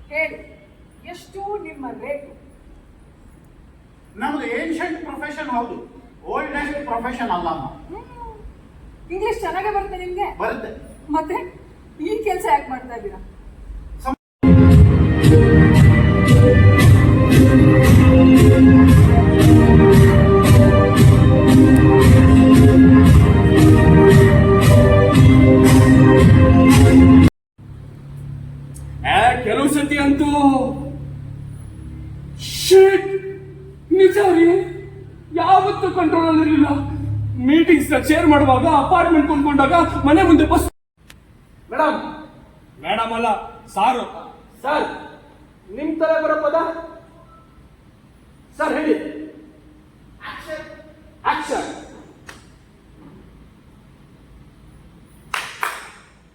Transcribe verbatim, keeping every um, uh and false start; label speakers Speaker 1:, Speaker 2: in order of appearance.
Speaker 1: ಹೇಳಿ, ಎಷ್ಟು ನಿಮ್ಮ ರೇಟು?
Speaker 2: ನಮ್ದು ಏನ್ಷಂಟ್ ಪ್ರೊಫೆಷನ್ ಹೌದು, ಓಲ್ಡೆಸ್ಟ್ ಪ್ರೊಫೆಷನ್ ಅಲ್ಲ.
Speaker 1: ಇಂಗ್ಲಿಷ್ ಚೆನ್ನಾಗೇ ಬರುತ್ತೆ ನಿಮ್ಗೆ?
Speaker 2: ಬರುತ್ತೆ.
Speaker 1: ಮತ್ತೆ ಈ ಕೆಲಸ ಯಾಕೆ ಮಾಡ್ತಾ ಇದ್ದೀರಾ?
Speaker 3: ಕೆಲವು ಸತಿ ಅಂತೂ ಶಿಟ್, ನಿಜ ರೀ, ಯಾವತ್ತೂ ಕಂಟ್ರೋಲ್ ಆಗಿರಲಿಲ್ಲ. ಮೀಟಿಂಗ್ಸ್ ಶೇರ್ ಮಾಡುವಾಗ, ಅಪಾರ್ಟ್ಮೆಂಟ್ ಕೊಂಡ್ಕೊಂಡಾಗ ಮನೆ ಮುಂದೆ ಬಸ್. ಮೇಡಮ್ ಮೇಡಮ್ ಅಲ್ಲ ಸಾರು. ಸರ್, ನಿಮ್ ತರ ಬರೋ ಪದ ಸರ್ ಹೇಳಿ. ಆಕ್ಷನ್.